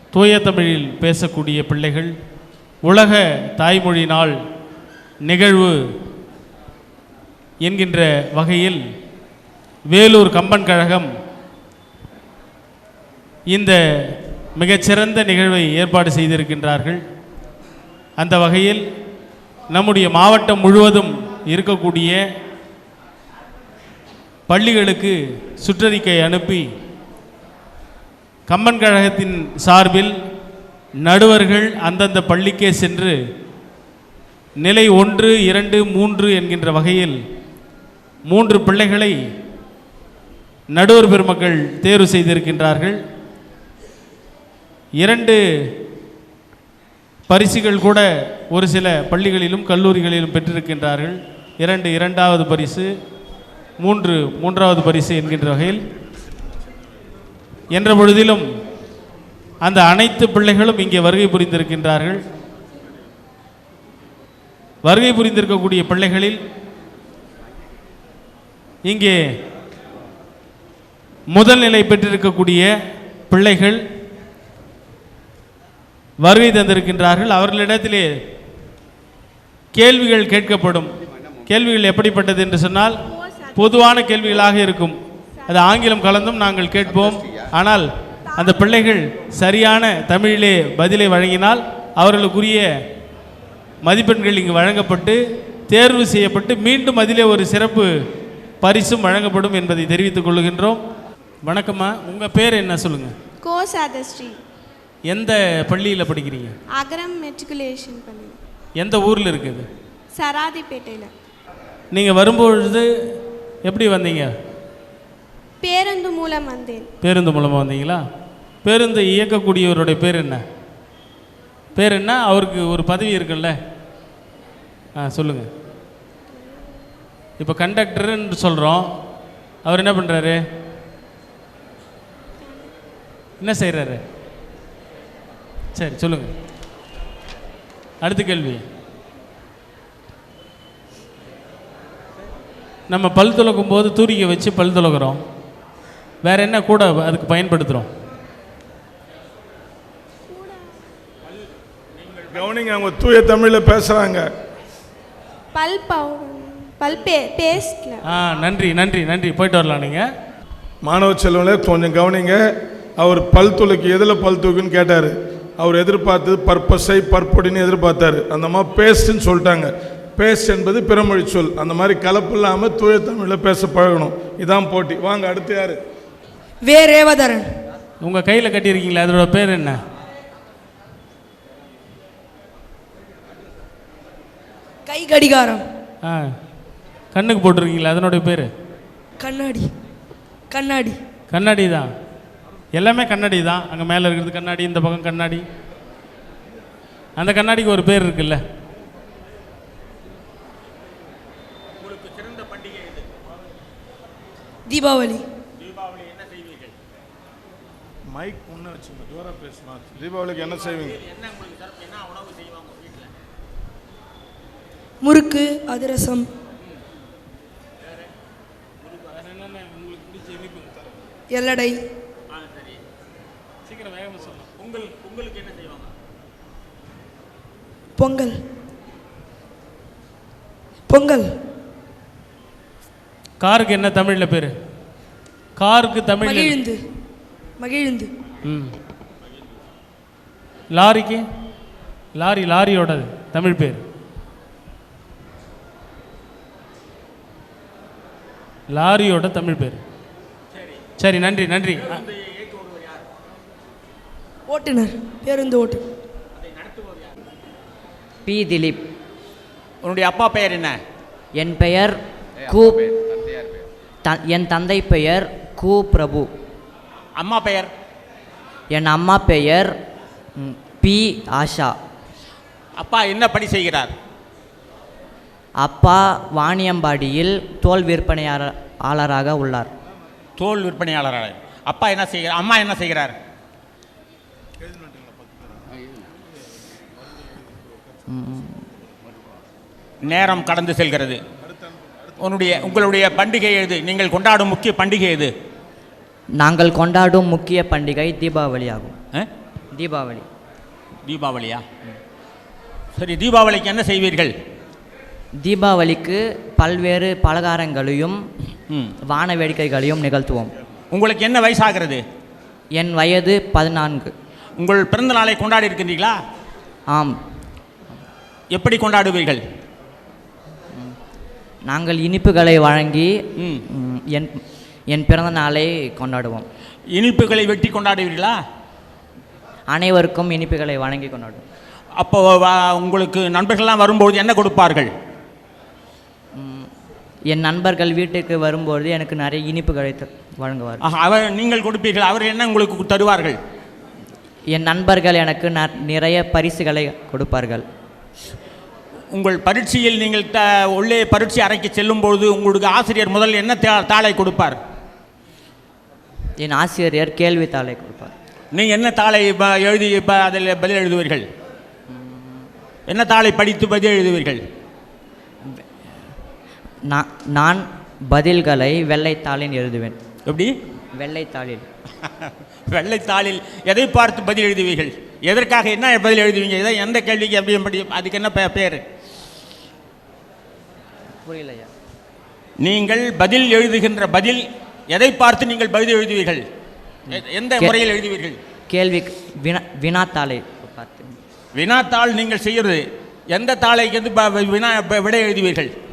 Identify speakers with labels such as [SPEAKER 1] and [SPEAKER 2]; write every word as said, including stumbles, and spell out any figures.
[SPEAKER 1] தூய தமிழில் பேசக்கூடிய பிள்ளைகள் உலக தாய்மொழி நாள் நிகழ்வு என்கின்ற வகையில் வேலூர் கம்பன் கழகம் இந்த மிகச்சிறந்த நிகழ்வை ஏற்பாடு செய்திருக்கின்றார்கள். அந்த வகையில் நம்முடைய மாவட்டம் முழுவதும் இருக்கக்கூடிய பள்ளிகளுக்கு சுற்றறிக்கை அனுப்பி கம்பன் கழகத்தின் சார்பில் நடுவர்கள் அந்தந்த பள்ளிக்கே சென்று நிலை ஒன்று இரண்டு மூன்று என்கின்ற வகையில் மூன்று பிள்ளைகளை நடுவர் பெருமக்கள் தேர்வு செய்திருக்கின்றார்கள். இரண்டு பரிசுகள் கூட ஒரு சில பள்ளிகளிலும் கல்லூரிகளிலும் பெற்றிருக்கின்றார்கள். இரண்டு இரண்டாவது பரிசு, மூன்று மூன்றாவது பரிசு என்கின்ற வகையில் என்ற பொழுதிலும் அந்த அனைத்து பிள்ளைகளும் இங்கே வருகை புரிந்திருக்கின்றார்கள். வருகை புரிந்திருக்கக்கூடிய பிள்ளைகளில் இங்கே முதல் நிலை பெற்றிருக்கக்கூடிய பிள்ளைகள் வருகை தந்திருக்கின்றார்கள். அவர்களிடத்திலே கேள்விகள் கேட்கப்படும். கேள்விகள் எப்படிப்பட்டது என்று சொன்னால் பொதுவான கேள்விகளாக இருக்கும். அது ஆங்கிலம் கலந்தும் நாங்கள் கேட்போம். ஆனால் அந்த பிள்ளைகள் சரியான தமிழிலே பதிலை வழங்கினால் அவர்களுக்குரிய மதிப்பெண்கள் இங்கு வழங்கப்பட்டு தேர்வு செய்யப்பட்டு மீண்டும் அதிலே ஒரு சிறப்பு பரிசும் வழங்கப்படும் என்பதை தெரிவித்துக் கொள்கின்றோம். வணக்கம்மா, உங்கள் பேர் என்ன சொல்லுங்கள்?
[SPEAKER 2] கோ சாதஸ்ரீ.
[SPEAKER 1] எந்த பள்ளியில் படிக்கிறீங்க?
[SPEAKER 2] அகரம் மெட்ரிகுலேஷன் பள்ளி.
[SPEAKER 1] எந்த ஊரில் இருக்குது?
[SPEAKER 2] சராதிப்பேட்டையில்.
[SPEAKER 1] நீங்கள் வரும்பொழுது எப்படி வந்தீங்க?
[SPEAKER 2] பேருந்து மூலம் வந்தேன்.
[SPEAKER 1] பேருந்து மூலமாக வந்தீங்களா? பேருந்து இயக்கக்கூடியவருடைய பேர் என்ன? பேர் என்ன? அவருக்கு ஒரு பதவி இருக்குல்ல, ஆ சொல்லுங்கள். இப்போ கண்டக்டர்ன்னு சொல்கிறோம், அவர் என்ன பண்ணுறாரு, என்ன செய்கிறாரு? சரி சொல்லுங்கள். அடுத்த கேள்வி. நம்ம பல் துலக்கும் போது தூரிகை வச்சு பல் துலக்கிறோம், வேற என்ன கூட அதுக்கு பயன்படுத்துகிறோம்?
[SPEAKER 3] கவனிங்க, அவங்க தூய தமிழில் பேசுகிறாங்க.
[SPEAKER 2] பல் பல் பேஸ்ட்ல. ஆ
[SPEAKER 1] நன்றி நன்றி நன்றி. போயிட்டு வரலாம். நீங்கள்
[SPEAKER 3] மாணவ செல்வங்களே கொஞ்சம் கவனிங்க. அவர் பல் துளைக்கு எதில் பல் தூக்குன்னு கேட்டார். அவர் எதிர்பார்த்தது பர்பஸை பற்பொடின்னு எதிர்பார்த்தாரு. அந்த மாதிரி பேஸ்ட்ன்னு சொல்லிட்டாங்க. பேஸ்ட் என்பது பிறமொழி சொல். அந்த மாதிரி கலப்பு இல்லாமல் தூய தமிழில் பேச பழகணும். இதான் போட்டி. வாங்க, அடுத்து யார்?
[SPEAKER 4] வே ரேவதரன்.
[SPEAKER 1] உங்கள் கையில் கட்டியிருக்கீங்களா, அதோட பேர் என்ன?
[SPEAKER 4] கை கடிகாரம்.
[SPEAKER 1] ஆ கண்ணுக்கு போட்டிருக்கீங்களா, அதனுடைய பேர்?
[SPEAKER 4] கண்ணாடி. கண்ணாடி
[SPEAKER 1] கண்ணாடி தான். எல்லாமே கண்ணாடி தான். அங்கே மேலே இருக்கிறது கண்ணாடி, இந்த பக்கம் கண்ணாடி. அந்த கண்ணாடிக்கு ஒரு பேர் இருக்குல்ல.
[SPEAKER 4] தீபாவளி.
[SPEAKER 3] தீபாவளி என்ன செய்வீர்கள்? மைக் முன்ன வச்சுங்க, ஜோரா பேசுமா. தீபாவளிக்கு என்ன செய்வீங்க?
[SPEAKER 4] முறுக்கு, அதிரசம். எல்லடை. பொங்கல். பொங்கல்.
[SPEAKER 1] காருக்கு என்ன தமிழில் பேர்? காருக்கு தமிழ்
[SPEAKER 4] மகிழுந்து. மகிழுந்து.
[SPEAKER 1] ம். லாரிக்கு? லாரி லாரியோட தமிழ் பேர்? லாரியோட தமிழ் பேர். சரி, நன்றி நன்றி.
[SPEAKER 4] ஓட்டுநர், பேருந்து ஓட்டு.
[SPEAKER 5] பி திலீப்.
[SPEAKER 6] உன்னுடைய அப்பா பெயர் என்ன?
[SPEAKER 5] என் பெயர் கு. என் தந்தை பெயர் கு பிரபு.
[SPEAKER 6] அம்மா பெயர்?
[SPEAKER 5] என் அம்மா பெயர் பி ஆஷா.
[SPEAKER 6] அப்பா என்ன பணி செய்கிறார்?
[SPEAKER 5] அப்பா வாணியம்பாடியில் தோல் விற்பனையாளராக உள்ளார்.
[SPEAKER 6] தோல் விற்பனையாளராக. அப்பா என்ன செய்கிறார்? அம்மா என்ன செய்கிறார்? நேரம் கடந்து செல்கிறது. உன்னுடைய உங்களுடைய பண்டிகை எது? நீங்கள் கொண்டாடும் முக்கிய பண்டிகை எது?
[SPEAKER 5] நாங்கள் கொண்டாடும் முக்கிய பண்டிகை தீபாவளி ஆகும். தீபாவளி.
[SPEAKER 6] தீபாவளியா? சரி, தீபாவளிக்கு என்ன செய்வீர்கள்?
[SPEAKER 5] தீபாவளிக்கு பல்வேறு பலகாரங்களையும்
[SPEAKER 6] ம்.
[SPEAKER 5] வான வேடிக்கைகளையும் நிகழ்த்துவோம்.
[SPEAKER 6] உங்களுக்கு என்ன வயசாகிறது?
[SPEAKER 5] என் வயது பதினான்கு.
[SPEAKER 6] உங்கள் பிறந்த நாளை கொண்டாடி இருக்கின்றீர்களா?
[SPEAKER 5] ஆம்.
[SPEAKER 6] எப்படி கொண்டாடுவீர்கள்?
[SPEAKER 5] நாங்கள் இனிப்புகளை வழங்கி
[SPEAKER 6] ம்.
[SPEAKER 5] ம், என் என் பிறந்த நாளை கொண்டாடுவோம்.
[SPEAKER 6] இனிப்புகளை வெட்டி கொண்டாடுவீர்களா?
[SPEAKER 5] அனைவருக்கும் இனிப்புகளை வழங்கி கொண்டாடுவோம்.
[SPEAKER 6] அப்போ வ- உங்களுக்கு நண்பர்கள்லாம் வரும்போது என்ன கொடுப்பார்கள்?
[SPEAKER 5] என் நண்பர்கள் வீட்டுக்கு வரும்போது எனக்கு நிறைய இனிப்புகளை த- வழங்குவார்.
[SPEAKER 6] ஆஹா, அவர் நீங்கள் கொடுப்பீர்கள், அவர்கள் என்ன உங்களுக்கு தருவார்கள்?
[SPEAKER 5] என் நண்பர்கள் எனக்கு ந- நிறைய பரிசுகளை கொடுப்பார்கள்.
[SPEAKER 6] உங்கள் பரீட்சையில் நீங்கள் த உள்ளே பரீட்சை அறைக்கு செல்லும்போது உங்களுக்கு ஆசிரியர் முதல் என்ன தா- தாளை கொடுப்பார்?
[SPEAKER 5] என் ஆசிரியர் கேள்வித்தாளை கொடுப்பார்.
[SPEAKER 6] நீங்கள் என்ன தாளை ப- எழுதி இப்போ அதில் பதில் எழுதுவீர்கள்? என்ன தாளை படித்து பதில் எழுதுவீர்கள்?
[SPEAKER 5] நான் நான் பதில்களை வெள்ளைத்தாளில் எழுதுவேன்.
[SPEAKER 6] எப்படி?
[SPEAKER 5] வெள்ளைத்தாளில்.
[SPEAKER 6] வெள்ளைத்தாளில் எதை பார்த்து பதில் எழுதுவீர்கள்? எதற்காக என்ன பதில் எழுதுவீங்க? எதை எந்த கேள்விக்கு எப்படி எப்படி அதுக்கு என்ன பே- பேர்?
[SPEAKER 5] புரியலையா?
[SPEAKER 6] நீங்கள் பதில் எழுதுகின்ற பதில் எதை பார்த்து நீங்கள் பதில் எழுதுவீர்கள்? எ- எந்த
[SPEAKER 5] கே-
[SPEAKER 6] முறையில் எழுதுவீர்கள்?
[SPEAKER 5] கேள்வி வினா வினாத்தாளை பார்த்து.
[SPEAKER 6] வினாத்தாள் நீங்கள் செய்கிறது எந்த தாளைக்கு வந்து ப- வினா ப- விடை எழுதுவீர்கள்?